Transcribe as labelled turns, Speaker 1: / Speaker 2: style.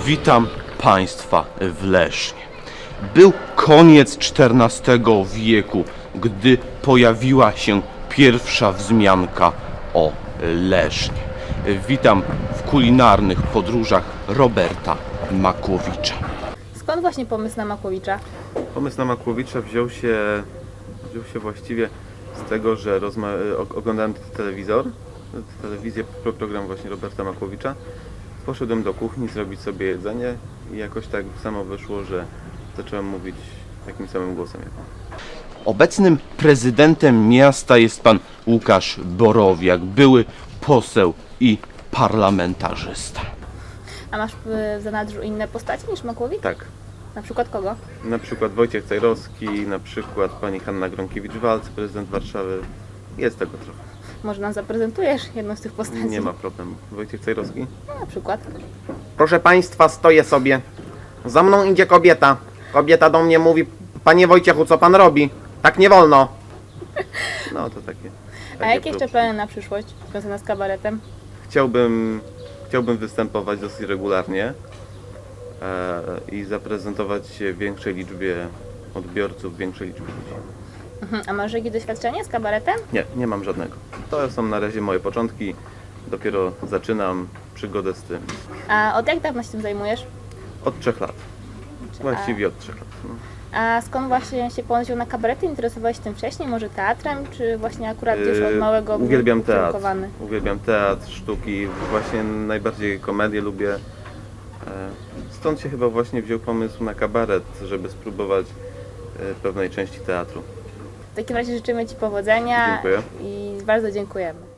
Speaker 1: Witam Państwa w Lesznie. Był koniec XIV wieku, gdy pojawiła się pierwsza wzmianka o Lesznie. Witam w kulinarnych podróżach Roberta Makłowicza.
Speaker 2: Skąd właśnie pomysł na Makłowicza?
Speaker 3: Pomysł na Makłowicza wziął się właściwie z tego, że oglądałem telewizję, program właśnie Roberta Makłowicza. Poszedłem do kuchni zrobić sobie jedzenie i jakoś tak samo wyszło, że zacząłem mówić takim samym głosem jak on. Obecnym
Speaker 1: Prezydentem miasta jest pan Łukasz Borowiak, były poseł i parlamentarzysta.
Speaker 2: A masz w zanadrzu inne postacie niż Makłowicz?
Speaker 3: Tak,
Speaker 2: Na przykład kogo?
Speaker 3: na przykład Wojciech Cejrowski, na przykład pani Hanna Gronkiewicz-Waltz, prezydent Warszawy. Jest tego trochę.
Speaker 2: Może nam zaprezentujesz jedną z tych postaci?
Speaker 3: Nie ma problemu. Wojciech Cejrowski?
Speaker 2: No, na przykład.
Speaker 4: Proszę Państwa, stoję sobie. Za mną idzie kobieta. Kobieta do mnie mówi: Panie Wojciechu, co Pan robi? Tak nie wolno.
Speaker 3: No to takie.
Speaker 2: A jakie jeszcze plany na przyszłość związane z kabaretem?
Speaker 3: Chciałbym występować dosyć regularnie i zaprezentować się większej liczbie odbiorców, większej liczbie ludzi.
Speaker 2: A masz jakieś doświadczenie z kabaretem?
Speaker 3: Nie mam żadnego. To są na razie moje początki. Dopiero zaczynam przygodę z tym.
Speaker 2: A od jak dawna się tym zajmujesz?
Speaker 3: Od 3 lat. Właściwie od 3 lat. No.
Speaker 2: A skąd właśnie się pomysł na kabarety? Interesowałeś się tym wcześniej? Może teatrem? Czy właśnie akurat gdzieś od małego był
Speaker 3: Uwielbiam teatr.
Speaker 2: ukierunkowany?
Speaker 3: Uwielbiam teatr, sztuki. Właśnie najbardziej komedię lubię. Stąd się chyba właśnie wziął pomysł na kabaret, żeby spróbować pewnej części teatru.
Speaker 2: W takim razie życzymy Ci powodzenia.
Speaker 3: Dziękuję.
Speaker 2: I bardzo dziękujemy.